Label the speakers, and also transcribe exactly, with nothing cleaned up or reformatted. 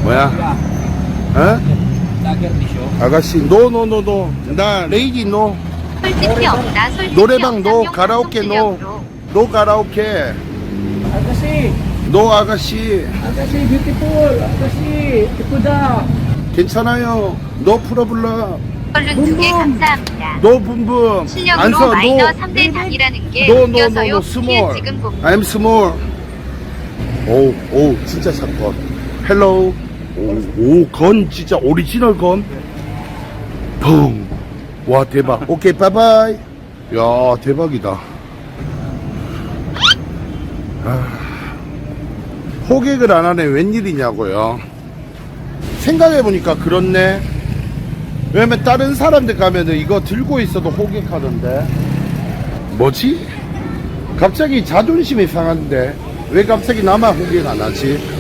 Speaker 1: 뭐야? 어?
Speaker 2: Lager nisyo.
Speaker 1: 아가씨 노노노노 나 레이디 노
Speaker 3: 솔직히 없다. 솔직히
Speaker 1: 노래방
Speaker 3: 없다.
Speaker 1: 노
Speaker 3: 용
Speaker 1: 가라오케 노
Speaker 3: 방송
Speaker 1: 노 가라오케
Speaker 2: Agassi.
Speaker 1: 노 아가씨
Speaker 2: Agassi, beautiful. Agassi, ipuda.
Speaker 1: 괜찮아요 노 프로블럼
Speaker 3: 얼른 두 개 감사합니다.
Speaker 1: 노 붐붐
Speaker 3: 실력으로
Speaker 1: 안서
Speaker 3: 마이너
Speaker 1: 노
Speaker 3: 삼 대 장이라는 게
Speaker 1: 노 노 노
Speaker 3: 웃겨서요.
Speaker 1: 노
Speaker 3: 피해
Speaker 1: 스몰
Speaker 3: 지금 봄.
Speaker 1: I'm small 오오 진짜 샷건 헬로우 오건 진짜 오리지널 건펑와 대박 오케이 바이바이 야 대박이다 아, 호객을 안 하네 웬일이냐고요 생각해보니까 그렇네 왜냐면 다른 사람들 가면은 이거 들고 있어도 호객하던데 뭐지? 갑자기 자존심이 상한데 왜 갑자기 나만 호객 안 하지?